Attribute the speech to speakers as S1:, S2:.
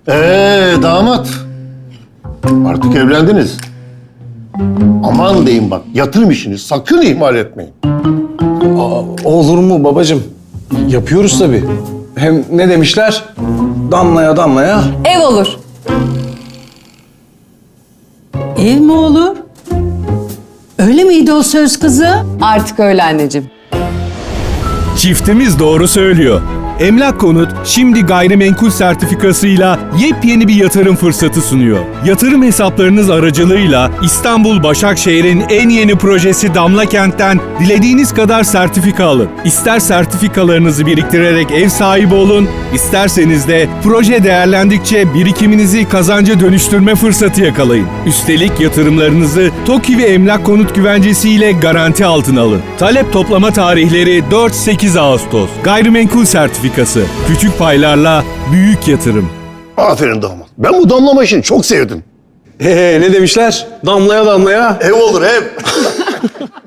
S1: Damat. Artık evlendiniz. Aman deyin bak, yatırım işini sakın ihmal etmeyin.
S2: Olur mu babacığım? Yapıyoruz tabii. Hem ne demişler? Damlaya damlaya.
S3: Ev olur.
S4: Ev mi olur? Öyle miydi o söz kızı?
S3: Artık öyle anneciğim.
S5: Çiftimiz doğru söylüyor. Emlak Konut şimdi gayrimenkul sertifikasıyla yepyeni bir yatırım fırsatı sunuyor. Yatırım hesaplarınız aracılığıyla İstanbul Başakşehir'in en yeni projesi Damla Kent'ten dilediğiniz kadar sertifika alın. İster sertifikalarınızı biriktirerek ev sahibi olun, isterseniz de proje değerlendikçe birikiminizi kazanca dönüştürme fırsatı yakalayın. Üstelik yatırımlarınızı TOKİ ve Emlak Konut güvencesiyle garanti altına alın. Talep toplama tarihleri 4-8 Ağustos. Gayrimenkul sertifikası. Küçük paylarla büyük yatırım.
S1: Aferin damat. Ben bu damlama işini çok sevdim.
S2: Ne demişler? Damlaya damlaya.
S1: Ev olur ev.